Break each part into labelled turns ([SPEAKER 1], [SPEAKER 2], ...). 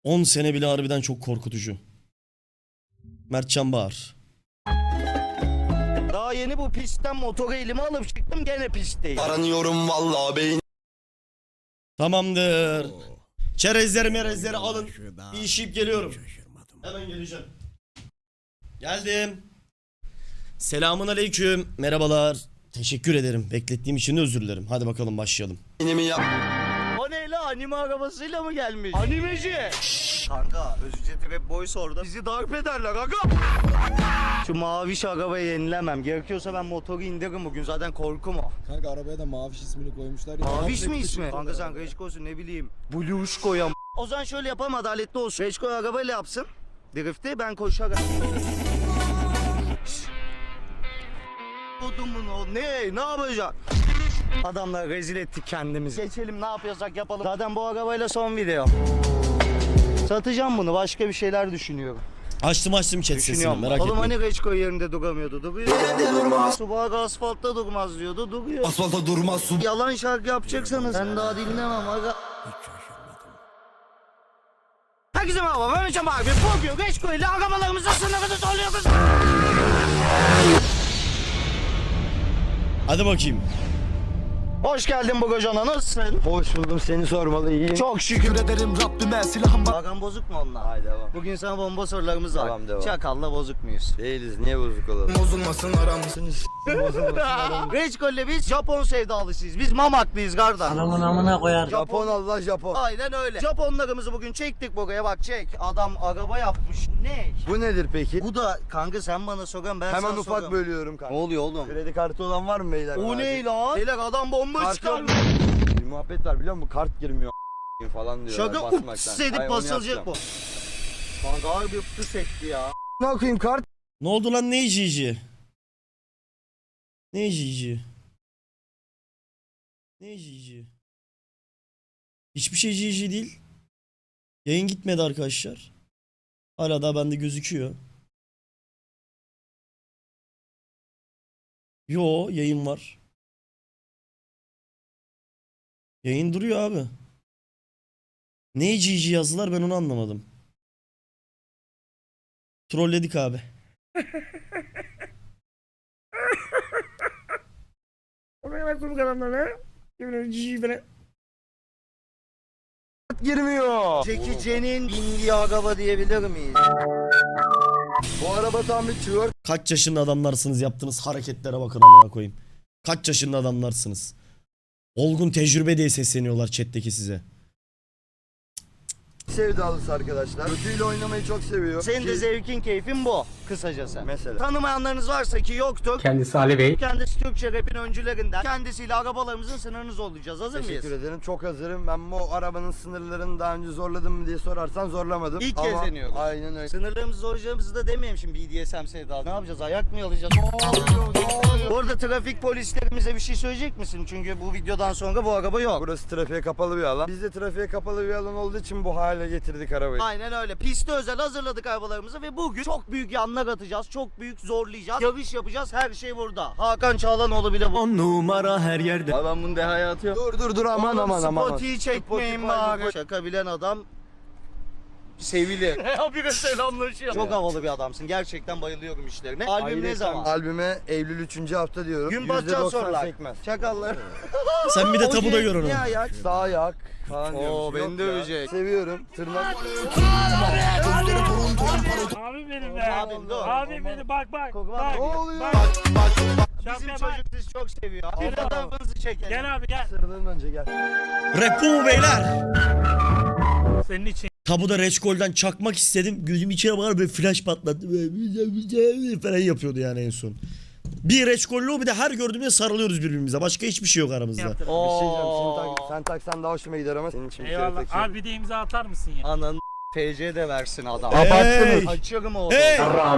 [SPEAKER 1] 10 sene bile harbiden çok korkutucu. Mertcan Bağır.
[SPEAKER 2] Daha yeni bu pistten motoru elime alıp çıktım, gene pistteyim.
[SPEAKER 3] Aranıyorum vallahi beyin.
[SPEAKER 1] Tamamdır. Çerezleri merezleri alın. Bir işip geliyorum. Hemen geleceğim. Geldim. Selamun aleyküm. Merhabalar. Teşekkür ederim. Beklettiğim için özür dilerim. Hadi bakalım başlayalım.
[SPEAKER 3] Beynimi yap.
[SPEAKER 2] O ne la, anime arabasıyla mı gelmiş? Animeci. Kanka Özücet Rap Boys orada. Bizi darp ederler aga. Şu maviş arabayı yenilemem. Gerekiyorsa ben motoru indiririm bugün, zaten korkum o.
[SPEAKER 4] Kanka arabaya da Maviş ismini koymuşlar ya.
[SPEAKER 2] Maviş mi ismi? Kanka sen Reçko'sun, ne bileyim. Bluşko'ya. O zaman şöyle yapalım, adaletli olsun. Reçko arabayla yapsın drift'i, ben koşarak. Odumun o ne yapacak? Adamlar rezil ettik kendimizi. Geçelim, ne yapıyorsak yapalım. Zaten bu arabayla son video. Satacağım bunu, başka bir şeyler düşünüyorum.
[SPEAKER 1] Açtım chat sesini, merak
[SPEAKER 2] Oğlum
[SPEAKER 1] etmeyin.
[SPEAKER 2] hani Reçko yerinde duramıyordu? Duruyor. Subaru asfaltta durmaz diyordu, duruyor.
[SPEAKER 3] Asfalta durmaz su.
[SPEAKER 2] Yalan şarkı yapacaksanız ben daha dinlemem aga. Herkese merhaba, ben Ömercan abi. Bugün Reçko ile arabalarımızın sınırını zorluyoruz.
[SPEAKER 1] Hadi bakayım.
[SPEAKER 2] Hoş geldin Bogocan'a, nasılsın?
[SPEAKER 4] Hoş buldum, seni sormalı, iyiyim.
[SPEAKER 2] Çok şükür.
[SPEAKER 3] Ederim Rabbime silahım var.
[SPEAKER 2] Aran bozuk mu onunla?
[SPEAKER 4] Haydi devam.
[SPEAKER 2] Bugün sana bomba sorularımız var.
[SPEAKER 4] Tamam, devam.
[SPEAKER 2] Çakalla bozuk muyuz?
[SPEAKER 4] Değiliz, niye bozuk olalım?
[SPEAKER 3] Bozulmasın aramsınız.
[SPEAKER 2] Reçko ile biz Japon sevdalısıyız. Biz Mamaklıyız kardeş.
[SPEAKER 5] Anamın amına koyar.
[SPEAKER 4] Japon Allah Japon.
[SPEAKER 2] Aynen öyle. Japonlarımızı bugün çektik buraya, bak çek. Adam araba yapmış. Ne?
[SPEAKER 4] Bu nedir peki?
[SPEAKER 2] Bu da kanka, sen bana soran, ben
[SPEAKER 4] Hemen
[SPEAKER 2] sana
[SPEAKER 4] ufak
[SPEAKER 2] soran.
[SPEAKER 4] bölüyorum
[SPEAKER 2] Ne
[SPEAKER 4] kanka.
[SPEAKER 2] oluyor oğlum?
[SPEAKER 4] Kredi kartı olan var mı beyler?
[SPEAKER 2] O ne lan? Beyler adam bomba
[SPEAKER 4] Kart
[SPEAKER 2] çıkarmış.
[SPEAKER 4] yok. Bir muhabbet var biliyor musun? Kart girmiyor falan diyor.
[SPEAKER 2] Şaka ups edip basılacak bu. Kanka harbi pıs etti ya.
[SPEAKER 4] Ne okuyayım kart?
[SPEAKER 1] Ne oldu lan, ne cici? Ne cici? Ne cici? Hiçbir şey cici değil. Yayın gitmedi arkadaşlar. Hala daha bende gözüküyor. Yo, yayın var. Yayın duruyor abi. Ne cici yazdılar, ben onu anlamadım. Trolledik abi.
[SPEAKER 4] Girmiyor.
[SPEAKER 2] Jackie Chan'in bindiği araba diyebilir miyiz?
[SPEAKER 4] Bu araba tam bir twerk.
[SPEAKER 1] Kaç yaşında adamlarsınız, yaptığınız hareketlere bakın amına koyayım. Kaç yaşında adamlarsınız. Olgun tecrübe diye sesleniyorlar chat'teki size.
[SPEAKER 4] Sevdalısı arkadaşlar. Kötüyle oynamayı çok seviyor.
[SPEAKER 2] Senin de
[SPEAKER 4] Ki-
[SPEAKER 2] zevkin, keyfin bu kısacası.
[SPEAKER 4] Mesela.
[SPEAKER 2] Tanımayanlarınız varsa ki yoktur.
[SPEAKER 5] Kendisi Ali Bey.
[SPEAKER 2] Kendisi Türkçe rap'in öncülerinden. Kendisiyle arabalarımızın sınırını zorlayacağız. Hazır mıyız?
[SPEAKER 4] Teşekkür ederim. Çok hazırım. Ben bu arabanın sınırlarını daha önce zorladım mı diye sorarsan zorlamadım.
[SPEAKER 2] İlk
[SPEAKER 4] Ama
[SPEAKER 2] kez deniyoruz.
[SPEAKER 4] Aynen öyle.
[SPEAKER 2] Sınırlarımızı zorlayacağımızı da demeyeyim şimdi, BDSM sevdalı. Ne yapacağız? Ayak mı yalayacağız? Bu arada trafik polislerimize bir şey söyleyecek misin? Çünkü bu videodan sonra bu araba yok.
[SPEAKER 4] Burası trafiğe kapalı bir alan. Biz de trafiğe kapalı bir alan olduğu için bu hale getirdik arabayı.
[SPEAKER 2] Aynen öyle. Piste özel hazırladık arabalarımızı ve bugün çok büyük yanlar atacağız. Çok büyük zorlayacağız. Yarış yapacağız. Her şey burada. Hakan Çağlanoğlu bile bu.
[SPEAKER 1] 10 numara her yerde.
[SPEAKER 2] Abi ben bunu dehaya atıyorum.
[SPEAKER 4] Dur aman.
[SPEAKER 2] Spotify çekmeyin
[SPEAKER 4] Spotify,
[SPEAKER 2] bari. Şaka bilen adam sevilir. Habire selamlaşıyor. Çok havalı bir adamsın. Gerçekten bayılıyorum işlerine. Albüm ne zaman?
[SPEAKER 4] Albüme Eylül 3. hafta diyorum.
[SPEAKER 2] Gün batacağız
[SPEAKER 4] %90
[SPEAKER 2] sorular.
[SPEAKER 4] sekmez.
[SPEAKER 2] Çakallar.
[SPEAKER 1] Sen bir de tabuda gör onu.
[SPEAKER 2] Ne ayak?
[SPEAKER 4] Sağ ayak falan
[SPEAKER 2] Oo,
[SPEAKER 4] diyormuş.
[SPEAKER 2] beni
[SPEAKER 4] Yok
[SPEAKER 2] dövecek.
[SPEAKER 4] ya. Seviyorum. Tırnak.
[SPEAKER 5] Abi benim be.
[SPEAKER 2] Abim dur.
[SPEAKER 5] Abi benim bak.
[SPEAKER 2] Koku var
[SPEAKER 4] Ne
[SPEAKER 2] mı?
[SPEAKER 4] oluyor?
[SPEAKER 2] Bizim
[SPEAKER 5] Şapka bak.
[SPEAKER 2] çocuk sizi çok seviyor. Bir
[SPEAKER 5] Gel abi.
[SPEAKER 2] fotoğrafınızı çekelim.
[SPEAKER 5] Gel abi gel.
[SPEAKER 4] Sırdan önce gel.
[SPEAKER 1] Rap bu mu beyler?
[SPEAKER 5] Senin için.
[SPEAKER 1] Tabuda Reçkol'den çakmak istedim. Gözüm içine bakar, böyle flash patlattı. Böyle falan yapıyordu yani en son. Bir Reçkol'lu, bir de her gördüğümde sarılıyoruz birbirimize. Başka hiçbir şey yok aramızda.
[SPEAKER 5] Yaptım.
[SPEAKER 4] Bir şey diyeceğim.
[SPEAKER 2] Oo.
[SPEAKER 4] Sen taksan daha hoşuma gider ama senin için bir kere
[SPEAKER 5] Eyvallah.
[SPEAKER 4] takıyorum.
[SPEAKER 5] Abi bir de imza atar mısın ya?
[SPEAKER 2] Ananı TC de versin adam.
[SPEAKER 1] Hey!
[SPEAKER 2] Açıyorum oğlum.
[SPEAKER 1] Hey!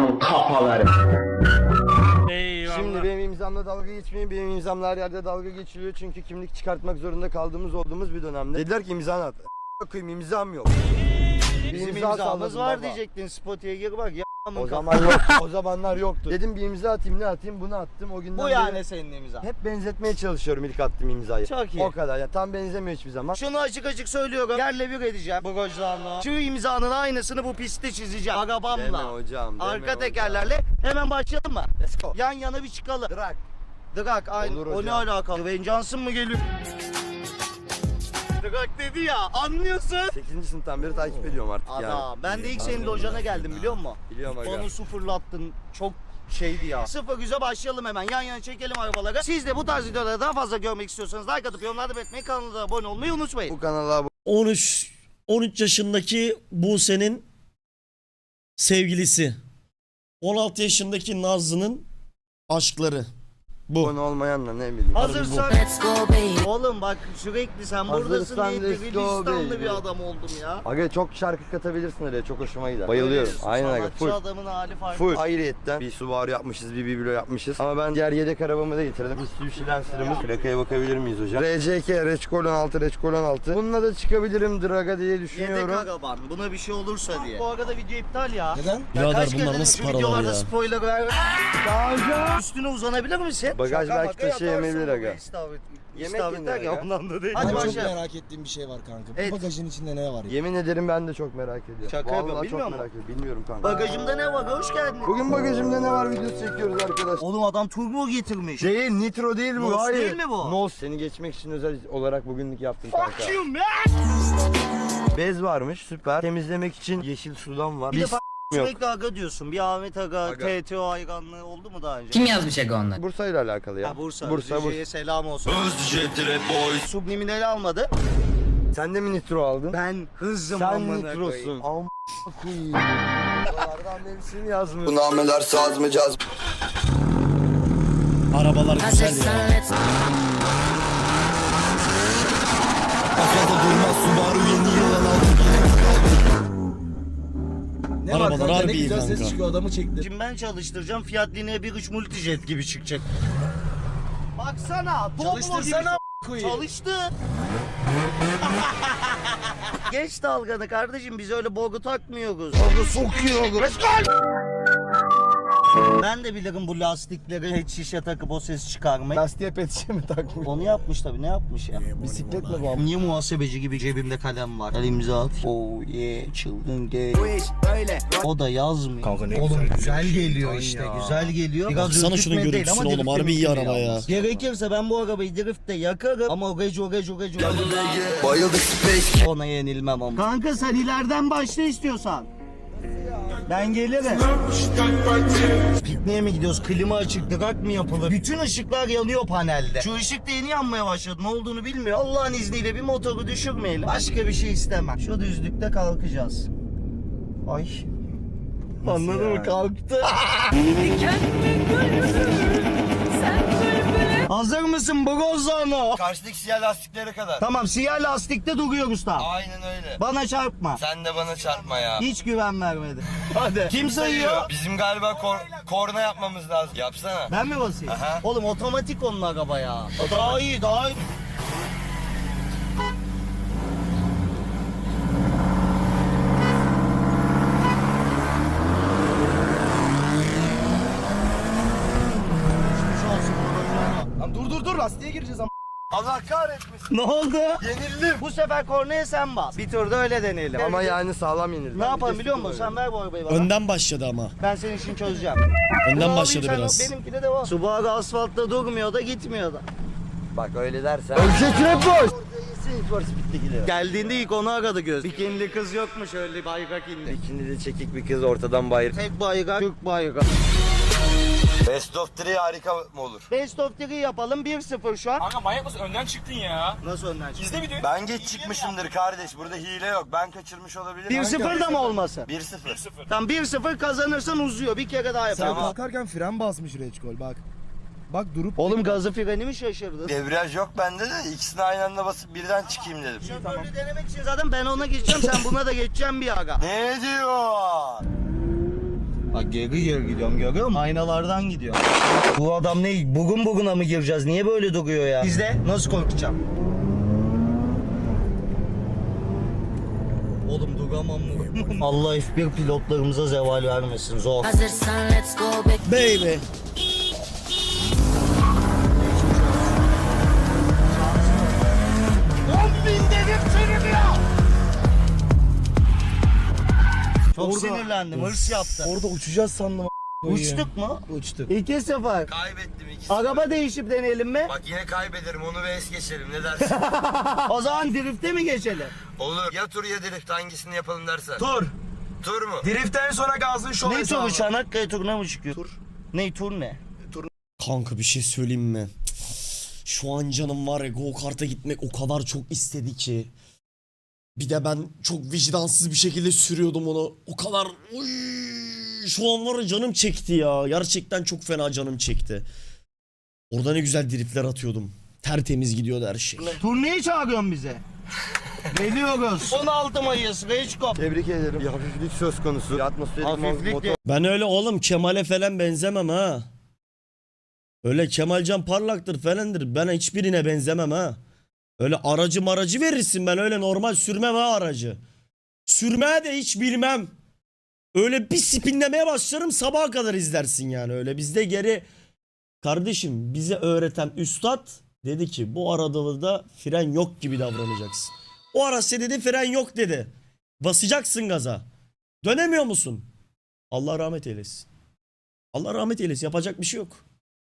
[SPEAKER 5] Eyvallah.
[SPEAKER 4] Şimdi benim imzamla dalga geçmeyin. Benim imzamla her yerde dalga geçiliyor. Çünkü kimlik çıkartmak zorunda olduğumuz bir dönemde. Dediler ki imzanı at. Koyayım imzam yok.
[SPEAKER 2] Bizim
[SPEAKER 4] İmza
[SPEAKER 2] imzamız
[SPEAKER 4] salladım
[SPEAKER 2] var
[SPEAKER 4] baba.
[SPEAKER 2] diyecektin. Spotify'a gir bak. Ya
[SPEAKER 4] O zaman yok. O zamanlar yoktu. Dedim bir imza atayım, ne atayım, bunu attım. O günden
[SPEAKER 2] Bu
[SPEAKER 4] beri
[SPEAKER 2] yani senin imza.
[SPEAKER 4] hep benzetmeye çalışıyorum ilk attığım imzayı.
[SPEAKER 2] Çok iyi.
[SPEAKER 4] O kadar ya, tam benzemiyor hiçbir zaman.
[SPEAKER 2] Şunu açık açık söylüyorum. Yerle bir edeceğim bu gojlarla. Şu imzanın aynısını bu pistte çizeceğim.
[SPEAKER 4] Deme
[SPEAKER 2] Arabamla.
[SPEAKER 4] hocam, deme
[SPEAKER 2] Arka
[SPEAKER 4] hocam.
[SPEAKER 2] tekerlerle. Hemen başlayalım mı?
[SPEAKER 4] Let's go.
[SPEAKER 2] Yan yana bir çıkalım.
[SPEAKER 4] Drag.
[SPEAKER 2] Drag aynı.
[SPEAKER 4] Olur
[SPEAKER 2] O ne
[SPEAKER 4] hocam.
[SPEAKER 2] alakalı? Wayne Johnson mı geliyor? Drag dedi ya, anlıyorsun.
[SPEAKER 4] 8. sınıftan beri takip ediyorum artık yani.
[SPEAKER 2] Adam, ben de ilk senin lojana geldim biliyor musun?
[SPEAKER 4] Biliyorum aga.
[SPEAKER 2] Onu sıfırlattın. Çok şeydi ya. 0-100'e başlayalım hemen. Yan yana çekelim arabalara. Siz de bu tarz videoları daha fazla görmek istiyorsanız like atıp yorumlarda belirtmeyi, kanala abone olmayı unutmayın.
[SPEAKER 4] Bu kanala
[SPEAKER 1] 13 yaşındaki Buse'nin sevgilisi. 16 yaşındaki Nazlı'nın aşkları. Bu.
[SPEAKER 4] abone olmayanla ne bileyim.
[SPEAKER 2] Hazırsan. Oğlum bak sürekli sen buradasın
[SPEAKER 4] Hazırsan
[SPEAKER 2] diye
[SPEAKER 4] let's go
[SPEAKER 2] Gülistanlı
[SPEAKER 4] baby.
[SPEAKER 2] bir adam oldum ya.
[SPEAKER 4] Aga çok şarkı katabilirsin oraya, çok hoşuma gider. Bayılıyorum.
[SPEAKER 2] Öyle
[SPEAKER 4] Aynen aga.
[SPEAKER 2] sanatçı
[SPEAKER 4] Full.
[SPEAKER 2] adamın hali farklı.
[SPEAKER 4] Full. Ayrıyetten bir Subaru yapmışız, bir biblo yapmışız. Ama ben diğer yedek arabamı da getirdim. Mitsubishi Lancer'ımız. Plakaya bakabilir miyiz hocam? RCK, Reçkolon 6, Reçkolon 6. Bununla da çıkabilirim Draga diye
[SPEAKER 2] Yedek
[SPEAKER 4] düşünüyorum.
[SPEAKER 2] araban. Buna bir şey olursa diye. Bu arada video iptal ya.
[SPEAKER 3] Neden?
[SPEAKER 2] Ya
[SPEAKER 1] Birader
[SPEAKER 2] kaç
[SPEAKER 1] bunlar
[SPEAKER 2] kere
[SPEAKER 1] nasıl
[SPEAKER 2] şu
[SPEAKER 1] paralar
[SPEAKER 2] videolarda
[SPEAKER 1] ya?
[SPEAKER 2] spoiler ver. Üstüne uzanabilir misin?
[SPEAKER 4] Bagaj
[SPEAKER 2] Şaka
[SPEAKER 4] belki
[SPEAKER 2] maka
[SPEAKER 4] taşıyamayabilir
[SPEAKER 2] yatarsın.
[SPEAKER 4] aga.
[SPEAKER 2] İstavrit.
[SPEAKER 4] Yemek
[SPEAKER 2] İstavrit
[SPEAKER 4] yenir
[SPEAKER 2] derken
[SPEAKER 4] aga.
[SPEAKER 2] ondan da değil.
[SPEAKER 3] Ben
[SPEAKER 2] Hadi
[SPEAKER 3] çok
[SPEAKER 2] başlayalım.
[SPEAKER 3] merak ettiğim bir şey var kanka.
[SPEAKER 2] Evet.
[SPEAKER 3] Bu bagajın içinde ne var ya?
[SPEAKER 4] Yemin ederim ben de çok merak ediyorum.
[SPEAKER 2] Şaka
[SPEAKER 4] Vallahi
[SPEAKER 2] yapıyorum,
[SPEAKER 4] çok
[SPEAKER 2] bilmiyor
[SPEAKER 4] merak
[SPEAKER 2] musun?
[SPEAKER 4] ediyorum. Bilmiyorum kanka.
[SPEAKER 2] Bagajımda ne var? Hoş geldin.
[SPEAKER 4] Bugün bagajımda ne var videosu çekiyoruz arkadaşlar.
[SPEAKER 2] Oğlum adam turbo getirmiş.
[SPEAKER 4] Değil, nitro değil bu.
[SPEAKER 2] Nos
[SPEAKER 4] Hayır.
[SPEAKER 2] değil mi bu?
[SPEAKER 4] Nos. Seni geçmek için özel olarak bugünlük yaptım kanka.
[SPEAKER 2] Fuck you man.
[SPEAKER 4] Bez varmış, süper. Temizlemek için yeşil sudan var.
[SPEAKER 2] Bir de
[SPEAKER 4] Biz
[SPEAKER 2] yok.
[SPEAKER 4] yok.
[SPEAKER 2] Sürekli aga diyorsun. Bir Ahmet aga,
[SPEAKER 4] Aga.
[SPEAKER 2] TTO hayranlığı oldu mu daha önce?
[SPEAKER 6] Kim yazmış Ego onlar?
[SPEAKER 4] Bursa ile alakalı ya.
[SPEAKER 2] Ha, Bursa.
[SPEAKER 4] Bursa.
[SPEAKER 2] Bursa. Selam olsun.
[SPEAKER 3] Özcet Rap Boys.
[SPEAKER 2] Subliminali almadı.
[SPEAKER 4] Sen de mi nitro aldın?
[SPEAKER 2] Ben hızım
[SPEAKER 4] Sen
[SPEAKER 2] amına
[SPEAKER 4] nitrosun.
[SPEAKER 2] koyayım.
[SPEAKER 4] Am koyayım. Buralardan hepsini yazmıyor.
[SPEAKER 3] Bu nameler saz mı caz mı?
[SPEAKER 1] Arabalar güzel ya.
[SPEAKER 3] Kafada durmaz Subaru yeni yılan aldı. Ne var
[SPEAKER 1] Arabalar
[SPEAKER 3] kanka, ne
[SPEAKER 1] harbi iyi
[SPEAKER 3] güzel ses
[SPEAKER 1] kanka.
[SPEAKER 3] çıkıyor, adamı çekti.
[SPEAKER 2] Şimdi ben çalıştıracağım. Fiat Linea 1.3 Multijet gibi çıkacak. Baksana.
[SPEAKER 3] Çalıştırsana koyayım.
[SPEAKER 2] Çalıştı. Geç dalganı kardeşim, biz öyle bogu takmıyoruz. Bogu sokuyoruz. Ben de bilirim bu lastikleri hiç şişe takıp o ses çıkarmayı.
[SPEAKER 3] Lastiğe pet şişe mi takmış?
[SPEAKER 2] Onu yapmış tabii, ne yapmış ya?
[SPEAKER 3] Bisikletle bu.
[SPEAKER 2] Niye muhasebeci gibi cebimde kalem var? El imza at. Oh yeah, çılgın gay. O da yazmıyor.
[SPEAKER 3] Kanka ne
[SPEAKER 2] Oğlum
[SPEAKER 3] güzel.
[SPEAKER 2] güzel geliyor işte, güzel geliyor. Biraz
[SPEAKER 1] Baksana şunun
[SPEAKER 2] ürkütme değil ama
[SPEAKER 1] görüntüsüne oğlum, harbi iyi
[SPEAKER 2] drift'te
[SPEAKER 1] araba ya.
[SPEAKER 2] yalnız. Gerekirse ben bu arabayı driftte yakarım ama o gece
[SPEAKER 3] Bayıldık space.
[SPEAKER 2] ona yenilmem ama. Kanka sen ileriden başla istiyorsan. Ben gelirim. Pikniğe mi gidiyoruz? Klima açık, drag mı yapılır? Bütün ışıklar yanıyor panelde. Şu ışık da yeni yanmaya başladı. Ne olduğunu bilmiyor. Allah'ın izniyle bir motoru düşürmeyelim. Başka bir şey istemem. Şu düzlükte kalkacağız. Ay. Anladın mı? Kalktı. Hazır mısın Brozano?
[SPEAKER 4] Karşıdaki siyah lastiklere kadar.
[SPEAKER 2] Tamam, siyah lastikte duruyoruz tam.
[SPEAKER 4] Aynen öyle.
[SPEAKER 2] Bana çarpma.
[SPEAKER 4] Sen de bana çarpma ya.
[SPEAKER 2] Hiç güven vermedi. Hadi. Kim sayıyor?
[SPEAKER 4] Bizim galiba korna yapmamız lazım. Yapsana.
[SPEAKER 2] Ben mi basayım?
[SPEAKER 4] Aha.
[SPEAKER 2] Oğlum otomatik onun araba ya. Daha iyi, daha iyi.
[SPEAKER 3] Lan dur lastiğe gireceğiz ama.
[SPEAKER 4] Allah kahretmesin.
[SPEAKER 2] Ne oldu?
[SPEAKER 4] Yenildim.
[SPEAKER 2] Bu sefer kornaya sen bas. Bir turda öyle deneyelim.
[SPEAKER 4] Ama yani sağlam yenildim.
[SPEAKER 2] Ne yapalım biliyor musun? Sen ver bu arabayı bana.
[SPEAKER 1] Önden başladı ama.
[SPEAKER 2] Ben senin için çözeceğim.
[SPEAKER 1] Önden
[SPEAKER 2] Bunu
[SPEAKER 1] başladı
[SPEAKER 2] alayım,
[SPEAKER 1] biraz.
[SPEAKER 2] sen benimkine de var. Subaru asfaltta durmuyor da gitmiyor da.
[SPEAKER 4] Bak öyle dersen. Özcet Rap Boys.
[SPEAKER 2] Geldiğinde ilk onu aradı göz. Bikinli kız yokmuş, öyle bayrak indi.
[SPEAKER 4] İkindi de çekik bir kız ortadan bayır.
[SPEAKER 2] Tek bayrak, Türk bayrağı.
[SPEAKER 4] Best of 3 harika mı olur?
[SPEAKER 2] Best of 3 yapalım, 1-0 şu an.
[SPEAKER 5] Kanka manyak mısın? Önden çıktın ya.
[SPEAKER 2] Nasıl önden çıktı?
[SPEAKER 5] İzle videoyu.
[SPEAKER 4] Ben geç çıkmışımdır kardeş. Burada hile yok. Ben kaçırmış olabilirim.
[SPEAKER 2] 1-0 da mı olmasın?
[SPEAKER 4] 1-0.
[SPEAKER 2] Tam 1-0 kazanırsan uzuyor. Bir kere daha
[SPEAKER 3] Sen
[SPEAKER 2] yapalım.
[SPEAKER 3] kalkarken fren basmış Reçkol bak. Bak durup.
[SPEAKER 2] Oğlum gazı freni mi şaşırdın?
[SPEAKER 4] Debriyaj yok bende de ikisini aynı anda basıp birden çıkayım dedim.
[SPEAKER 2] Şoförlüğü denemek için zaten ben ona geçeceğim, sen buna da geçeceğim bir aga.
[SPEAKER 4] Ne diyor?
[SPEAKER 2] Bak geri gidiyorum, görüyor musun? Aynalardan gidiyor. Bu adam ne? Buguna mı gireceğiz? Niye böyle duruyor ya? İzle, nasıl korkacağım? Oğlum duramam mı? Allah F1 pilotlarımıza zeval vermesin. Zor.
[SPEAKER 6] Hazırsan let's go
[SPEAKER 1] Baby.
[SPEAKER 2] Çok sinirlendim. Hırs yaptı.
[SPEAKER 3] Orada uçacağız sandım.
[SPEAKER 2] Uçtuk mu?
[SPEAKER 3] Uçtuk.
[SPEAKER 2] İki sefer.
[SPEAKER 4] Kaybettim ikisi.
[SPEAKER 2] Araba değişip deneyelim mi?
[SPEAKER 4] Bak yine kaybederim onu ve es geçelim ne dersin?
[SPEAKER 2] O zaman drift'e mi geçelim?
[SPEAKER 4] Olur. Ya tur ya drift hangisini yapalım dersen.
[SPEAKER 3] Tur.
[SPEAKER 4] Tur mu?
[SPEAKER 3] Driftten sonra gazın şov
[SPEAKER 2] Ne
[SPEAKER 3] hesabı.
[SPEAKER 2] turu? Çanakkale turuna mı çıkıyor? Tur. Ne tur ne?
[SPEAKER 1] Kanka bir şey söyleyeyim mi? Şu an canım var ya, go kart'a gitmek o kadar çok istedi ki. Bir de ben çok vicdansız bir şekilde sürüyordum onu. O kadar oy, şu an var ya canım çekti ya. Gerçekten çok fena canım çekti. Orada ne güzel dripler atıyordum. Tertemiz gidiyordu her şey.
[SPEAKER 2] Turneye çağırıyorsun bize. Geliyoruz. 16 Mayıs. Reçkop.
[SPEAKER 4] Tebrik ederim. Bir hafiflik söz konusu. Bir atmosferik
[SPEAKER 2] Hafiflik
[SPEAKER 4] motor.
[SPEAKER 2] de-
[SPEAKER 1] Ben öyle oğlum Kemal'e falan benzemem ha. Öyle Kemalcan parlaktır falandır. Ben hiçbirine benzemem ha. Öyle aracı verirsin, ben öyle normal sürmem ha aracı. Sürmeye de hiç bilmem. Öyle bir spinlemeye başlarım, sabaha kadar izlersin yani. Öyle bizde geri kardeşim, bize öğreten üstad dedi ki bu arada da fren yok gibi davranacaksın. O araçta dedi fren yok dedi. Basacaksın gaza. Dönemiyor musun? Allah rahmet eylesin. Allah rahmet eylesin, yapacak bir şey yok.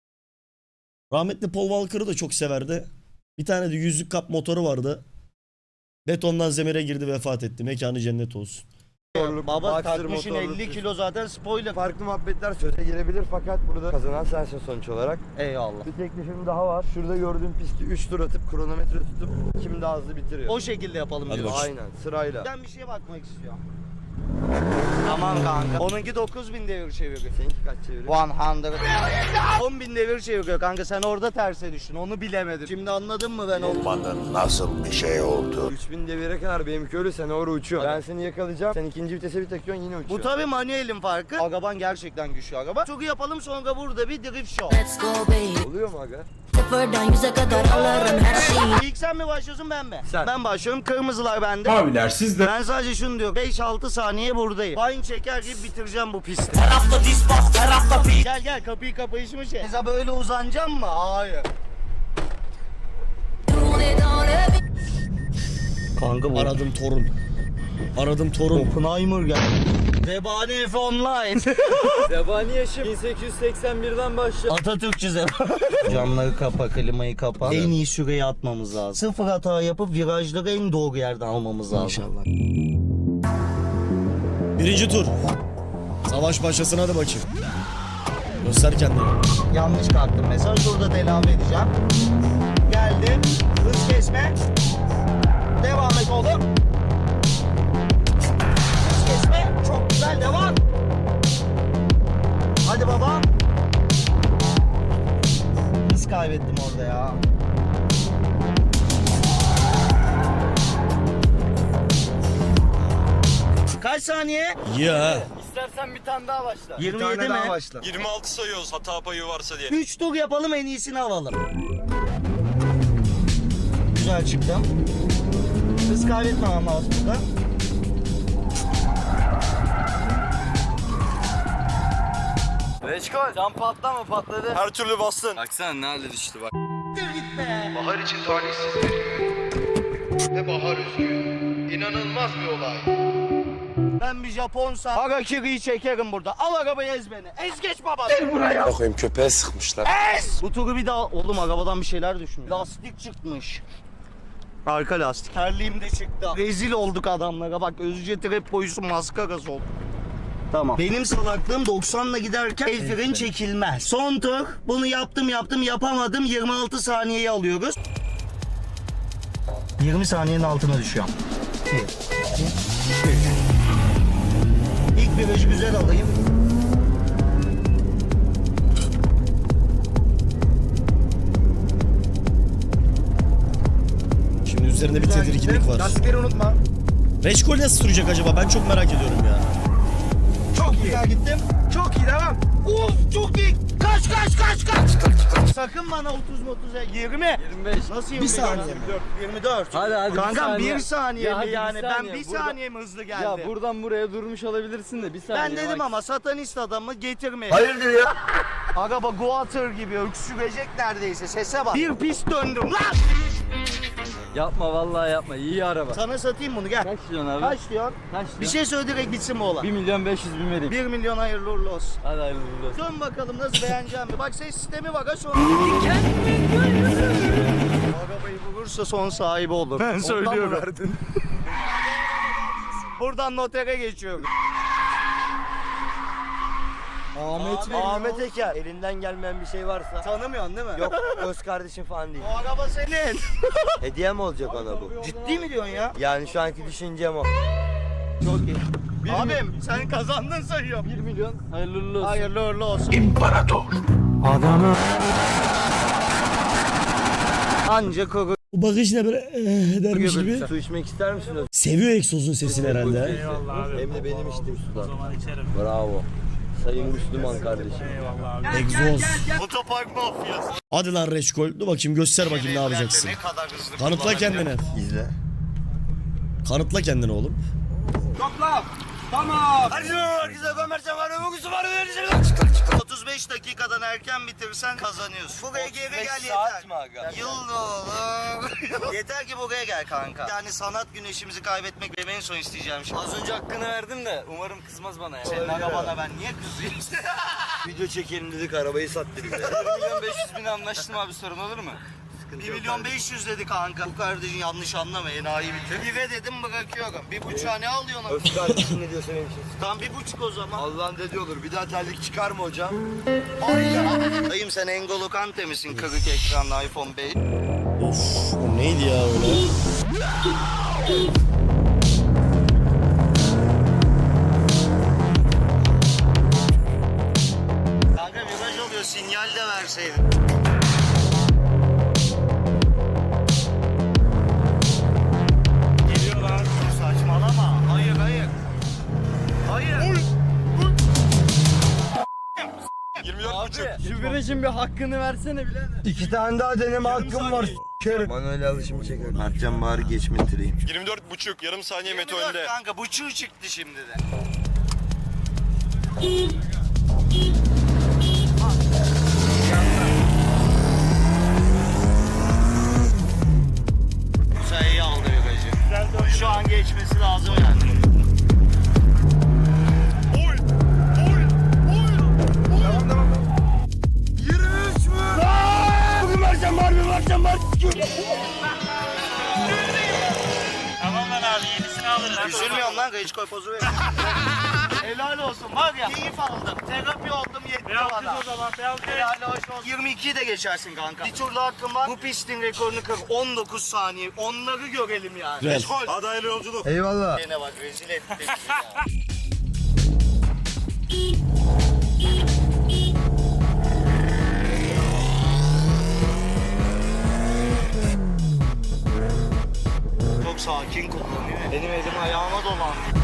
[SPEAKER 1] Rahmetli Paul Walker'ı da çok severdi. Bir tane de yüzlük kap motoru vardı. Betondan zemire girdi, vefat etti. Mekanı cennet olsun.
[SPEAKER 2] Baba
[SPEAKER 4] Boxer
[SPEAKER 2] takmışın
[SPEAKER 4] motorlu
[SPEAKER 2] 50
[SPEAKER 4] pist.
[SPEAKER 2] kilo zaten spoiler.
[SPEAKER 4] Farklı muhabbetler söze girebilir fakat burada kazanan sensin sonuç olarak.
[SPEAKER 2] Eyvallah.
[SPEAKER 4] Bir teklifim daha var. Şurada gördüğün pisti 3 tur atıp kronometre tutup kim daha hızlı bitiriyor.
[SPEAKER 2] O şekilde yapalım
[SPEAKER 1] Hadi
[SPEAKER 2] diyoruz.
[SPEAKER 1] bakayım.
[SPEAKER 4] Aynen sırayla.
[SPEAKER 2] Ben bir şeye bakmak istiyorum. Tamam kanka. Onunki 9000 devir çeviriyor.
[SPEAKER 4] Seninki kaç çeviriyor?
[SPEAKER 2] 100. 10.000 devir çeviriyor kanka, sen orada terse düştün, onu bilemedin. Şimdi anladın mı ben onu?
[SPEAKER 7] Olmanın nasıl bir şey oldu?
[SPEAKER 4] 3000 devire kadar benimki öyle sen oraya uçuyorsun. Ben seni yakalayacağım. Sen ikinci vitese bir takıyorsun yine
[SPEAKER 2] Bu
[SPEAKER 4] uçuyorsun.
[SPEAKER 2] tabi manuelin farkı. Araban gerçekten güçlü araba. Çok yapalım sonra burada bir drift show.
[SPEAKER 6] let's go baby.
[SPEAKER 4] Oluyor mu aga?
[SPEAKER 6] Sıfırdan yüze kadar alırım her şeyi.
[SPEAKER 2] İlk sen mi başlıyorsun ben mi?
[SPEAKER 4] Sen.
[SPEAKER 2] Ben başlıyorum, kırmızılar bende.
[SPEAKER 5] Abiler siz de.
[SPEAKER 2] Ben sadece şunu diyorum, 5-6 saniye buradayım. Fine çeker gibi bitireceğim bu pisti. Gel gel, kapıyı kapayışmış ya. Mesela böyle uzanacağım mı? Hayır. Kanka bu
[SPEAKER 1] Aradım torun. Aradım torun.
[SPEAKER 2] Oppenheimer gel. Zebani F Online.
[SPEAKER 3] Zebani yaşım 1881'den başlıyor.
[SPEAKER 2] Atatürkçü Zebani. Camları kapa, klimayı kapa. En iyi süreyi atmamız lazım. Sıfır hata yapıp virajları en doğru yerden almamız lazım. İnşallah.
[SPEAKER 1] Birinci tur. Savaş başlasın, hadi bakayım. Göster kendini.
[SPEAKER 2] Yanlış kalktım mesela, şurada telafi edeceğim. Geldim. Hız kesme. Devam et oğlum. Hız kesme. Çok güzel, devam. Hadi baba. Hız kaybettim orada ya. Kaç saniye?
[SPEAKER 1] Ya.
[SPEAKER 3] İstersen bir tane daha başla.
[SPEAKER 2] 27 mi?
[SPEAKER 4] başla.
[SPEAKER 7] 26 sayıyoruz hata payı varsa diye.
[SPEAKER 2] 3 tur yapalım, en iyisini alalım. Güzel çıktım. Hız kaybetmemem lazım burada.
[SPEAKER 3] Reçkol. Cam patlama patladı.
[SPEAKER 7] Her türlü bastın.
[SPEAKER 3] Baksana nerede düştü bak.
[SPEAKER 4] Bahar için talihsizdir. Ve bahar üzgün. İnanılmaz bir olay.
[SPEAKER 2] Ben bir Japonsa Harakiri'yi çekerim burada. Al arabayı, ez beni. Ez geç baba.
[SPEAKER 7] Bakayım köpeğe sıkmışlar.
[SPEAKER 2] Ez! Bu turu bir daha... Oğlum arabadan bir şeyler düşmüş. Lastik çıkmış. Arka lastik. Terliğim de çıktı. Rezil olduk adamlara. Bak Özce trap boyusu maskarası oldu. Tamam. Benim salaklığım 90'la giderken el freni çekilmez. Son tur. Bunu yaptım yapamadım. 26 saniyeyi alıyoruz. 20 saniyenin altına düşüyorum. İlk virajı güzel alayım.
[SPEAKER 1] Şimdi üzerinde bir tedirginlik var.
[SPEAKER 3] Lastikleri unutma.
[SPEAKER 1] Reçkol nasıl sürecek acaba? Ben çok merak ediyorum ya.
[SPEAKER 3] Çok iyi.
[SPEAKER 2] Güzel gittim.
[SPEAKER 3] Çok iyi devam.
[SPEAKER 2] Of çok iyi. Kaç. Sakın bana 30 20.
[SPEAKER 3] 25.
[SPEAKER 2] Nasıl 25?
[SPEAKER 3] Bir saniye mi?
[SPEAKER 2] 24.
[SPEAKER 3] Hadi
[SPEAKER 2] Kankam
[SPEAKER 3] bir
[SPEAKER 2] 1 saniye
[SPEAKER 3] Ya
[SPEAKER 2] mi
[SPEAKER 3] hadi
[SPEAKER 2] yani?
[SPEAKER 3] bir
[SPEAKER 2] Ben
[SPEAKER 3] saniye.
[SPEAKER 2] 1
[SPEAKER 3] Burada-
[SPEAKER 2] saniye mi hızlı geldi?
[SPEAKER 3] Ya buradan buraya durmuş olabilirsin de bir saniye.
[SPEAKER 2] Ben dedim
[SPEAKER 3] bak.
[SPEAKER 2] ama satanist adamı getirmeyin.
[SPEAKER 4] Hayırdır ya?
[SPEAKER 2] Araba Guatr gibi öksürecek neredeyse. Sese bak. Bir pist döndüm lan.
[SPEAKER 3] Yapma vallahi yapma. İyi araba.
[SPEAKER 2] Sana satayım bunu gel.
[SPEAKER 3] Kaç diyorsun abi?
[SPEAKER 2] Kaç diyorsun?
[SPEAKER 3] Kaç
[SPEAKER 2] Bir
[SPEAKER 3] diyorsun?
[SPEAKER 2] şey söyle direkt bitsin bu olay.
[SPEAKER 3] 1.500.000 vereyim.
[SPEAKER 2] 1 milyon hayırlı uğurlu olsun.
[SPEAKER 3] Hadi hayırlı uğurlu olsun.
[SPEAKER 2] Dön bakalım nasıl beğeneceğim mi? Bak ses sistemi var ha şu an. Arabayı vurursa son sahibi olur. Ben söylüyorum.
[SPEAKER 3] verdin?
[SPEAKER 2] Buradan notere geçiyorum.
[SPEAKER 3] Ahmet Bey.
[SPEAKER 4] Ahmet Eker. Elinden gelmeyen bir şey varsa.
[SPEAKER 2] Tanımıyorsun değil mi?
[SPEAKER 4] Yok öz kardeşim falan değil.
[SPEAKER 2] O araba senin.
[SPEAKER 4] Hediye mi olacak ona bu?
[SPEAKER 2] Ciddi mi diyorsun ya?
[SPEAKER 4] Yani şu anki düşüncem o.
[SPEAKER 2] Çok iyi. Abim sen kazandın sayıyorum.
[SPEAKER 3] 1 milyon hayırlı uğurlu olsun.
[SPEAKER 2] Hayırlı uğurlu olsun. Anca koku
[SPEAKER 1] Bu bakış ne böyle dermiş gibi.
[SPEAKER 4] Su içmek ister misiniz?
[SPEAKER 1] Seviyor egzozun sesini herhalde.
[SPEAKER 4] Hem de benim içtiğim sudan. Bravo. Sayın Müslüman kardeşim.
[SPEAKER 1] Egzoz.
[SPEAKER 2] Otopark mafyası.
[SPEAKER 1] Hadi lan Reçkol. Dur bakayım göster bakayım ne yapacaksın.
[SPEAKER 2] Ne kadar hızlı
[SPEAKER 1] Kanıtla
[SPEAKER 2] kullanabiliyor.
[SPEAKER 1] kendini.
[SPEAKER 4] İzle.
[SPEAKER 1] Kanıtla kendini oğlum.
[SPEAKER 2] Hadi herkese Ömercan var ömrüsü var 35 dakikadan erken bitirsen kazanıyorsun. Buraya geri gel yeter.
[SPEAKER 4] mi aga?
[SPEAKER 2] Yıl olur. Yeter ki buraya gel kanka. Yani sanat güneşimizi kaybetmek benim en son isteyeceğim şey.
[SPEAKER 3] Az önce hakkını verdim de umarım kızmaz bana ya.
[SPEAKER 2] Senin arabana ben niye kızayım?
[SPEAKER 4] Video çekelim dedik arabayı sattı bize.
[SPEAKER 3] 1.500.000 anlaştım abi, sorun olur mu?
[SPEAKER 2] 1 milyon 500 dedi kanka. Bu kardeşin yanlış anlama enayi bitir. 1'e dedim bırakıyorum. 1,5'a ne alıyorsun?
[SPEAKER 4] Öz kardeşim ne diyorsa benim için.
[SPEAKER 2] Tam 1,5 o zaman.
[SPEAKER 4] Allah'ın dediği olur. Bir daha terlik çıkar mı hocam?
[SPEAKER 2] Dayım sen N'Golo Kante misin? Kırık ekranlı iPhone 5.
[SPEAKER 1] Of o neydi ya öyle?
[SPEAKER 2] Kanka viraj oluyor sinyal de verseydin.
[SPEAKER 5] Geliyorlar.
[SPEAKER 2] Saçmalama. Hayır. Hayır.
[SPEAKER 5] 24,5.
[SPEAKER 3] Şu virajın bir hakkını versene birader.
[SPEAKER 4] 2 tane daha deneme hakkım var. S**kerim. Manuel alışımı çeker. Mertcan bari geçme tireyim.
[SPEAKER 7] 24,5 yarım saniye Meto
[SPEAKER 2] 24
[SPEAKER 7] önde.
[SPEAKER 2] kanka buçuğu çıktı şimdi de. Musa iyi aldı virajı. Şu an geçmesi lazım yani.
[SPEAKER 5] Tamam lan abi yenisini alırız.
[SPEAKER 2] Üzülmüyorum lan Reçkoy pozu ver. Helal olsun var ya keyif aldım. Terapi oldum yetti
[SPEAKER 5] Beyaz
[SPEAKER 2] bana.
[SPEAKER 5] kız o zaman beyaz kız.
[SPEAKER 2] Helal hoş olsun. 22'yi de geçersin kanka. Bir turda hakkım var. Bu pistin rekorunu kır. 19 saniye. Onları görelim yani.
[SPEAKER 1] Güzel.
[SPEAKER 2] Hadi hayırlı yolculuk.
[SPEAKER 4] Eyvallah.
[SPEAKER 2] Yine bak rezil etti bizi ya. Çok sakin kullanıyor. Benim elim ayağıma dolandı.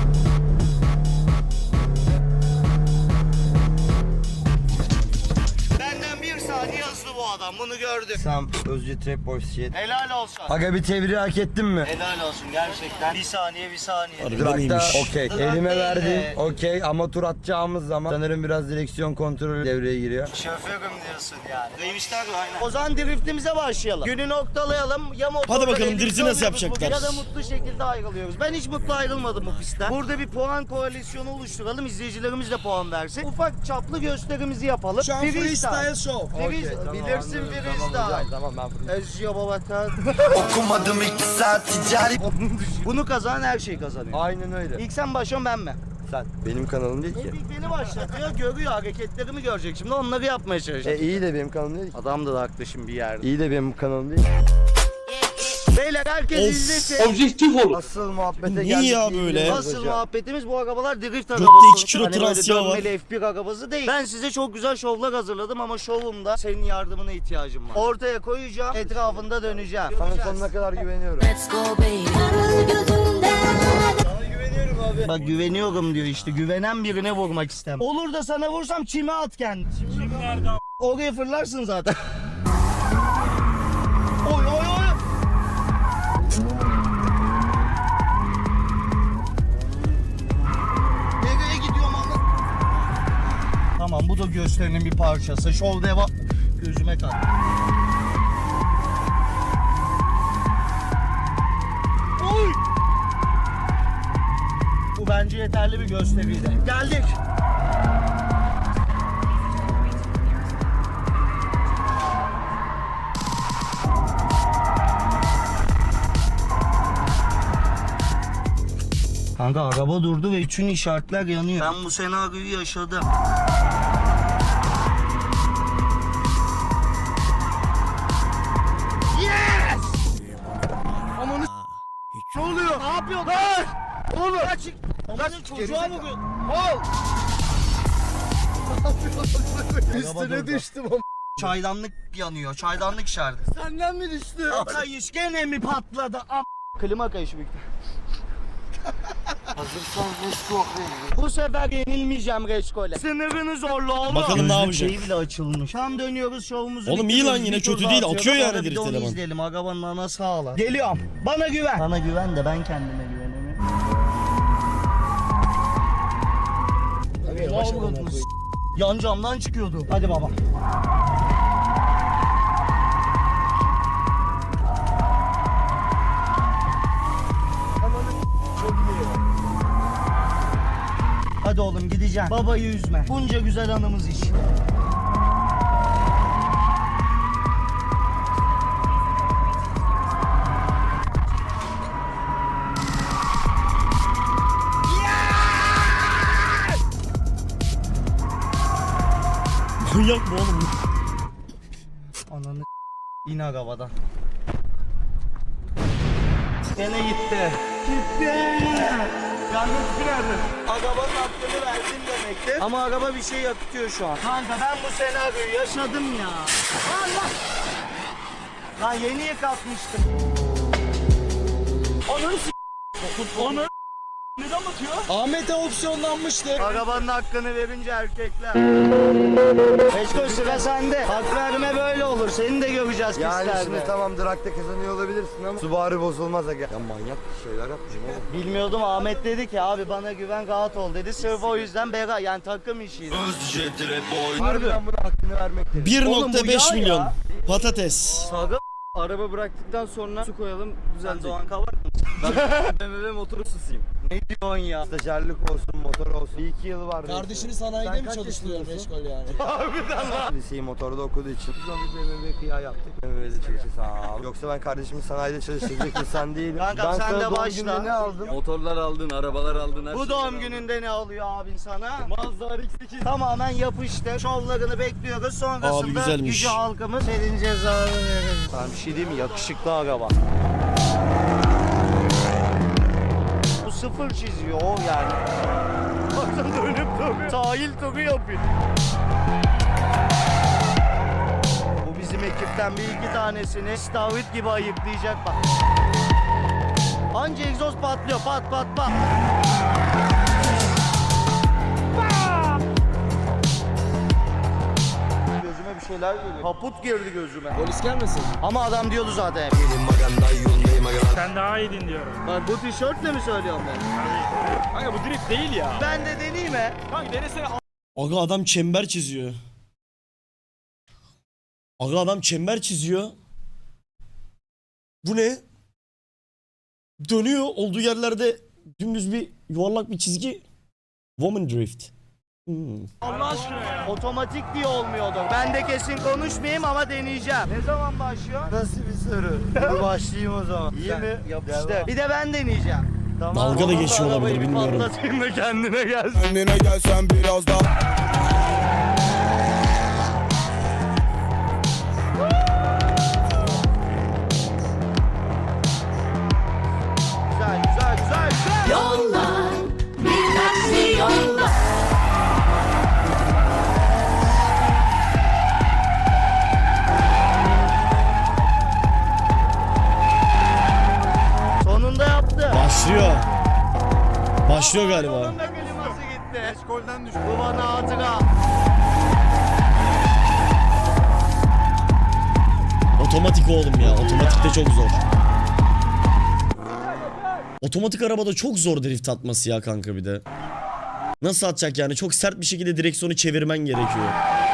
[SPEAKER 2] Benden bir saniye hızlı bu adam. Bunu gördük.
[SPEAKER 4] Sam Özcü Trap Boys shit.
[SPEAKER 2] Helal olsun.
[SPEAKER 4] Aga bir tevri hak ettin mi?
[SPEAKER 2] Helal olsun gerçekten. Bir saniye.
[SPEAKER 1] Harbiden
[SPEAKER 4] Durakta
[SPEAKER 1] iyiymiş.
[SPEAKER 4] okey. Elime verdin. Okey ama tur atacağımız zaman sanırım biraz direksiyon kontrolü devreye giriyor.
[SPEAKER 2] Şoförüm diyorsun yani. Neymişler mi? Aynen. O zaman driftimize başlayalım. Günü noktalayalım. Ya motorla
[SPEAKER 1] Hadi bakalım,
[SPEAKER 2] birlikte
[SPEAKER 1] drifti nasıl
[SPEAKER 2] oluyoruz
[SPEAKER 1] yapacaklar?
[SPEAKER 2] bugün Ya da mutlu şekilde ayrılıyoruz. Ben hiç mutlu ayrılmadım bu pistten. Burada bir puan koalisyonu oluşturalım. İzleyicilerimiz de puan versin. Ufak çaplı gösterimizi yapalım. Şu an freestyle show. Bilirsin freestyle.
[SPEAKER 4] Tamam ben
[SPEAKER 2] Özcüyor babata.
[SPEAKER 3] Okumadım 2 saat ticari.
[SPEAKER 2] Bunu kazanan her şeyi kazanıyor.
[SPEAKER 4] Aynen öyle.
[SPEAKER 2] İlk sen başlıyorsun ben mi?
[SPEAKER 4] Sen benim kanalım değil ki.
[SPEAKER 2] İlk beni başlatıyor, görüyor hareketlerimi görecek. Şimdi onları yapmaya çalışacak.
[SPEAKER 4] İyi de benim kanalım değil ki.
[SPEAKER 2] Adam da haklı şimdi bir yerde.
[SPEAKER 4] İyi de benim kanalım değil.
[SPEAKER 2] Beyler herkes
[SPEAKER 1] Of.
[SPEAKER 2] izlesin.
[SPEAKER 4] Asıl muhabbete
[SPEAKER 1] Niye
[SPEAKER 4] geldik.
[SPEAKER 1] ya
[SPEAKER 4] iyi
[SPEAKER 1] böyle?
[SPEAKER 4] biliyoruz
[SPEAKER 2] Asıl
[SPEAKER 4] hocam.
[SPEAKER 2] muhabbetimiz bu arabalar drift
[SPEAKER 1] Gökte
[SPEAKER 2] arabası.
[SPEAKER 1] 2 kilo
[SPEAKER 2] Hani böyle
[SPEAKER 1] transya var.
[SPEAKER 2] dönmeli F1 arabası değil. Ben size çok güzel şovlar hazırladım ama şovumda senin yardımına ihtiyacım var. Ortaya koyacağım, etrafında döneceğim.
[SPEAKER 4] Sana sonuna kadar güveniyorum.
[SPEAKER 6] Let's go baby.
[SPEAKER 2] Bak güveniyorum diyor işte. Güvenen birine vurmak istem. Olur da sana vursam çime at kendini.
[SPEAKER 5] Kim nerede?
[SPEAKER 2] Oraya fırlarsın zaten. Oy oy oy. Nereye gidiyorum ama? Tamam bu da gösterinin bir parçası. Şov devam. Gözüme kalk. Oy! Bu bence yeterli bir gösteriydi. Geldik. Kanka araba durdu ve bütün işaretler yanıyor. Ben bu senaryoyu yaşadım. Yes! Amanı ne oluyor? Ne yapıyorsun? Lan! Oğlum! Kaç! Amanın çocuğa mı bu? Ol!
[SPEAKER 4] Üstüne düştüm ama.
[SPEAKER 2] Çaydanlık yanıyor. Çaydanlık şardı.
[SPEAKER 4] Senden mi düştü?
[SPEAKER 2] Kayış gene mi patladı? Klima kayışı büyük. Bu sefer yenilmeyeceğim Reçkol'e. Sınırını zorla oğlum.
[SPEAKER 1] Bakalım ne yapacak?
[SPEAKER 2] Şeyi bile açılmış. Tam dönüyoruz şovumuzu.
[SPEAKER 1] Oğlum iyi
[SPEAKER 2] bitiriyoruz.
[SPEAKER 1] lan yine
[SPEAKER 2] Bir tur
[SPEAKER 1] kötü değil,
[SPEAKER 2] daha
[SPEAKER 1] akıyor
[SPEAKER 2] atıyoruz.
[SPEAKER 1] yani
[SPEAKER 2] Sonra bir de onu
[SPEAKER 1] direkt eleman.
[SPEAKER 2] izleyelim. Arabanın anası ağla. Geliyorum. Bana güven. Bana güven de ben kendime güvenemiyorum. Yan camdan çıkıyordu. Hadi baba. Hadi oğlum gideceğim. Babayı üzme. Bunca güzel anımız iş.
[SPEAKER 1] Manyak mı oğlum?
[SPEAKER 2] Ananı in arabadan. Gene gitti. Gitti. Yalnız nerede? Arabanın hakkını verdin demektir. Ama araba bir şey yakıtıyor şu an. Kanka ben bu senaryoyu yaşadım ya. Allah! Lan yeni yıkatmıştım. Onun Onu neden batıyor?
[SPEAKER 3] Ahmet'e opsiyonlanmıştı.
[SPEAKER 2] Arabanın hakkını verince erkekler. Eşko sıra sende. Hak verme böyle olur. Seni de göreceğiz
[SPEAKER 4] Yani
[SPEAKER 2] pistlerde.
[SPEAKER 4] şimdi tamam Drak'ta kazanıyor olabilirsin ama Subaru bozulmaz aga. Ya manyak şeyler yapmışım oğlum.
[SPEAKER 2] Bilmiyordum, Ahmet dedi ki abi bana güven rahat ol dedi. Sırf o yüzden bera yani takım işiydi.
[SPEAKER 4] Harbiden buna hakkını vermek gerekiyor.
[SPEAKER 2] Oğlum bu
[SPEAKER 1] 1.5
[SPEAKER 2] yağ
[SPEAKER 1] milyon
[SPEAKER 2] ya.
[SPEAKER 1] patates.
[SPEAKER 2] Saga
[SPEAKER 8] Araba bıraktıktan sonra su koyalım
[SPEAKER 2] sen
[SPEAKER 8] düzelecek.
[SPEAKER 2] Doğan Kavak mısın?
[SPEAKER 8] BMW motoru susayım.
[SPEAKER 2] Ne diyorsun ya?
[SPEAKER 4] Stajyerlik olsun, motor olsun. Bir iki yılı var.
[SPEAKER 3] Kardeşini sanayide
[SPEAKER 4] Sen
[SPEAKER 3] mi
[SPEAKER 4] kaç
[SPEAKER 3] çalıştırıyor
[SPEAKER 4] yaşındasın?
[SPEAKER 3] meşgul yani?
[SPEAKER 4] Liseyi motorda okuduğu için biz onu BMW kıya yaptık. BMW'de çalışıyor sağ ol. Yoksa ben kardeşimi sanayide çalıştıracak insan değilim.
[SPEAKER 2] Kankam,
[SPEAKER 4] ben
[SPEAKER 2] sen
[SPEAKER 4] sana
[SPEAKER 2] de
[SPEAKER 4] doğum
[SPEAKER 2] başla.
[SPEAKER 4] gününde ne aldım?
[SPEAKER 8] Motorlar aldın, arabalar aldın. Her
[SPEAKER 2] Bu
[SPEAKER 8] şeyi
[SPEAKER 2] doğum
[SPEAKER 8] aldın.
[SPEAKER 2] gününde ne alıyor abin sana?
[SPEAKER 8] Mazda RX-8.
[SPEAKER 2] Tamamen yapıştı. Şovlarını bekliyoruz. Sonrasında
[SPEAKER 1] Abi güzelmiş.
[SPEAKER 2] gücü halkımız senin cezanı veririz. Ben bir şey diyeyim mi? Yakışıklı araba. Bu sıfır çiziyor o yani. Bakın dönüp duruyor. Sahil turu yapıyor. Bu bizim ekipten bir iki tanesini stavrit gibi ayıklayacak bak. Anca egzoz patlıyor. Pat pat pat. Gözüme bir şeyler geliyor. Kaput girdi gözüme.
[SPEAKER 3] Polis gelmesin.
[SPEAKER 2] Ama adam diyordu zaten.
[SPEAKER 5] Sen daha iyiydin diyorum.
[SPEAKER 2] Bak bu tişörtle mi söylüyorum ben?
[SPEAKER 5] Kanka bu drift değil ya.
[SPEAKER 2] Ben de deneyeyim mi?
[SPEAKER 5] Kanka denesene.
[SPEAKER 1] Aga adam çember çiziyor. Aga adam çember çiziyor. Bu ne? Dönüyor olduğu yerlerde dümdüz bir yuvarlak bir çizgi. Woman drift.
[SPEAKER 5] Allah aşkına ya.
[SPEAKER 2] Otomatik diye olmuyordu. Ben de kesin konuşmayayım ama deneyeceğim. Ne zaman başlıyor?
[SPEAKER 4] Nasıl bir soru? Dur başlayayım o zaman.
[SPEAKER 2] İyi mi? Yapıştı.
[SPEAKER 4] Devam.
[SPEAKER 2] Bir de ben deneyeceğim. Tamam.
[SPEAKER 1] Dalga da geçiyor olabilir,
[SPEAKER 2] Arabayı
[SPEAKER 1] bilmiyorum.
[SPEAKER 2] Patlatayım da kendine gelsin.
[SPEAKER 3] Kendine gelsen biraz daha.
[SPEAKER 2] Güzel güzel güzel güzel.
[SPEAKER 6] Yollar bir taksi yollar.
[SPEAKER 2] Sonunda yaptı.
[SPEAKER 1] Başlıyor. Başlıyor galiba.
[SPEAKER 2] Onun da kliması gitti. Eşkolden düştü. Bu bana hatıra.
[SPEAKER 1] Otomatik oğlum ya. Otomatik de çok zor. Otomatik arabada çok zor drift atması ya kanka bir de. Nasıl atacak yani? Çok sert bir şekilde direksiyonu çevirmen gerekiyor.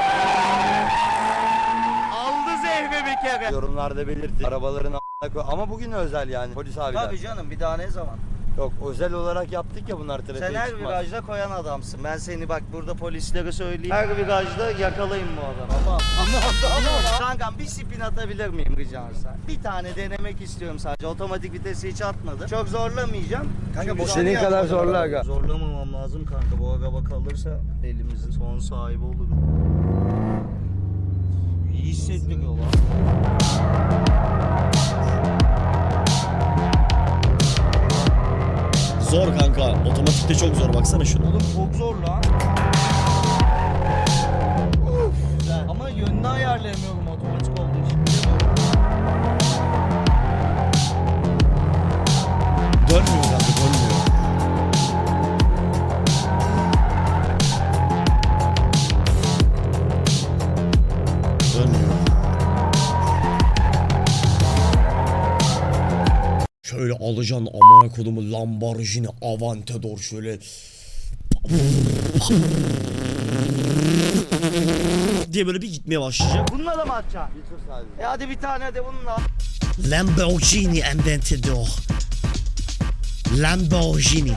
[SPEAKER 2] Aldı zehri bir kere.
[SPEAKER 4] Yorumlarda belirtin. Arabaların a**ına koy. Ama bugün özel yani polis abiler.
[SPEAKER 2] Tabii canım, bir daha ne zaman?
[SPEAKER 4] Yok özel olarak yaptık ya bunlar trafiğe
[SPEAKER 2] Sen her
[SPEAKER 4] çıkmaz.
[SPEAKER 2] virajda koyan adamsın. Ben seni bak burada polislere söyleyeyim. Her virajda yakalayın bu adamı. Ama kankam bir spin atabilir miyim rica etsem? Bir tane denemek istiyorum sadece. Otomatik vitesi hiç atmadım. Çok zorlamayacağım.
[SPEAKER 4] Kanka
[SPEAKER 2] Çünkü
[SPEAKER 4] bu senin kadar zorla aga.
[SPEAKER 2] Zorlamamam lazım kanka. Bu araba kalırsa elimizin son sahibi oluruz. İyi hissettiriyor lan.
[SPEAKER 1] Zor kanka. Otomatikte çok zor. Baksana şuna.
[SPEAKER 2] Oğlum çok zor lan. Güzel. Ama yönünü ayarlayamıyorum otomatik olduğu için.
[SPEAKER 1] Dönmüyor kanka. Dönmüyor. Dönmüyor. Şöyle alacaksın amına kodumu Lamborghini Aventador şöyle diye böyle bir gitmeye başlayacak.
[SPEAKER 2] Bununla da mı atacaksın?
[SPEAKER 4] Bir tur sadece.
[SPEAKER 2] Hadi bir tane de bununla.
[SPEAKER 1] Lamborghini Aventador. Lamborghini.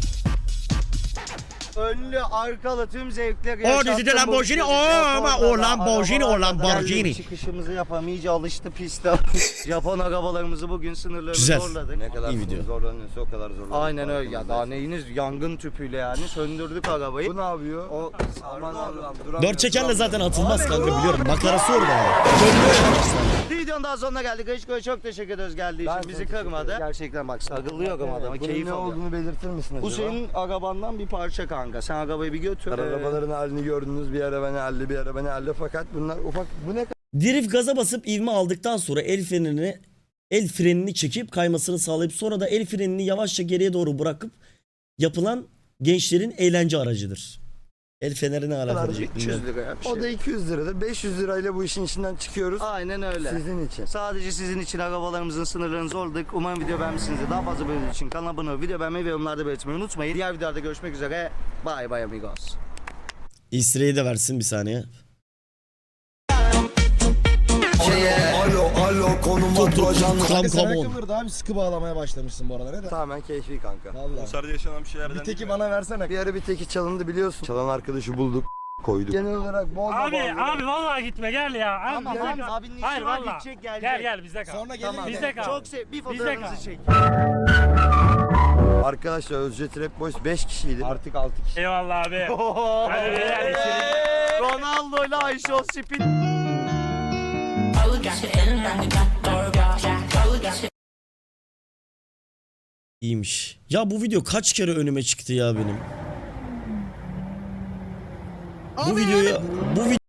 [SPEAKER 2] Önlü, arkalı tüm zevkleri
[SPEAKER 1] O
[SPEAKER 2] yaşattım.
[SPEAKER 1] dizide Lamborghini,
[SPEAKER 2] bu
[SPEAKER 1] o ama
[SPEAKER 2] Japon'da
[SPEAKER 1] o
[SPEAKER 2] da
[SPEAKER 1] Lamborghini, o
[SPEAKER 2] arabalarda
[SPEAKER 1] Lamborghini.
[SPEAKER 2] geldik, çıkışımızı yapalım. İyice alıştı piste. Japon arabalarımızı bugün sınırlarını
[SPEAKER 1] Güzel.
[SPEAKER 2] zorladık.
[SPEAKER 4] Ne kadar
[SPEAKER 1] İyi video.
[SPEAKER 4] zorlanıyorsa o kadar zorlanıyor.
[SPEAKER 2] Aynen öyle ya. Daha neyiniz yangın tüpüyle yani söndürdük arabayı.
[SPEAKER 4] Bu ne yapıyor?
[SPEAKER 2] O
[SPEAKER 4] Aman Allah'ım duramıyor.
[SPEAKER 1] Dört çekerle zaten atılmaz
[SPEAKER 2] Abi,
[SPEAKER 1] kanka
[SPEAKER 2] dur.
[SPEAKER 1] biliyorum. Makarası orada yani.
[SPEAKER 2] videonun daha sonuna geldik. Reşko'ya çok teşekkür ederiz geldiği
[SPEAKER 4] Ben
[SPEAKER 2] için. Bizi
[SPEAKER 4] çok teşekkür
[SPEAKER 2] kırmadı.
[SPEAKER 4] ederim.
[SPEAKER 2] Gerçekten bak sarılıyorum adama.
[SPEAKER 4] Bunun
[SPEAKER 2] Keyif
[SPEAKER 4] ne
[SPEAKER 2] alıyor.
[SPEAKER 4] olduğunu belirtir misin acaba?
[SPEAKER 2] Bu senin arabandan bir parça kanka. Sen arabayı bir götür.
[SPEAKER 4] Arabaların halini gördünüz. Bir ara beni halde, bir ara beni halde. Fakat bunlar ufak. Bu ne
[SPEAKER 1] Drift gaza basıp ivme aldıktan sonra el frenini çekip kaymasını sağlayıp sonra da el frenini yavaşça geriye doğru bırakıp yapılan gençlerin eğlence aracıdır. El feneri ne alaka
[SPEAKER 4] kadar?
[SPEAKER 1] diyecektim
[SPEAKER 2] 300
[SPEAKER 1] ben.
[SPEAKER 2] lira bir şey.
[SPEAKER 4] O da 200 liradır. 500 lirayla bu işin içinden çıkıyoruz.
[SPEAKER 2] Aynen öyle.
[SPEAKER 4] Sizin için.
[SPEAKER 2] Sadece sizin için arabalarımızın sınırlarını zorladık. Umarım video beğenmişsinizdir. Daha fazla böyle için kanala abone olup video beğenmeyi ve yorumlarda belirtmeyi unutmayın. Diğer videolarda görüşmek üzere. Bye bye amigos.
[SPEAKER 1] Easter egg'i de versin bir saniye.
[SPEAKER 3] Alo konum
[SPEAKER 1] Dur dur
[SPEAKER 3] ajan.
[SPEAKER 1] come
[SPEAKER 9] Sen
[SPEAKER 1] on.
[SPEAKER 9] ayakkabılarda abi sıkı bağlamaya başlamışsın bu aralar.
[SPEAKER 4] Tamamen keyfi kanka.
[SPEAKER 9] Vallahi.
[SPEAKER 7] Konserde yaşanan bir şeylerden
[SPEAKER 9] Bir teki
[SPEAKER 7] değil mi?
[SPEAKER 9] bana versene.
[SPEAKER 4] Bir ara bir teki çalındı biliyorsun. Çalan arkadaşı bulduk. Koyduk. Genel olarak bol
[SPEAKER 5] Abi vallahi gitme gel ya.
[SPEAKER 2] Tamam
[SPEAKER 5] Bizde
[SPEAKER 2] abi,
[SPEAKER 5] kal.
[SPEAKER 2] abinin işi
[SPEAKER 5] Hayır
[SPEAKER 2] var,
[SPEAKER 5] vallahi.
[SPEAKER 2] gidecek, gelecek.
[SPEAKER 5] Gel bizde kal.
[SPEAKER 9] Sonra gelir
[SPEAKER 2] Tamam.
[SPEAKER 9] mi?
[SPEAKER 5] Bizde kal.
[SPEAKER 2] Çok sev. Bir
[SPEAKER 5] Bizde
[SPEAKER 2] fotoğrafınızı
[SPEAKER 5] kal.
[SPEAKER 2] çek.
[SPEAKER 4] Arkadaşlar Özce Trap Boys 5 kişiydi. Artık 6 kişi.
[SPEAKER 5] Eyvallah abi. Hadi beyler içeri.
[SPEAKER 2] Ronaldo ile Ayşe o spin.
[SPEAKER 1] İyiymiş. Ya bu video kaç kere önüme çıktı ya benim. Bu videoya bu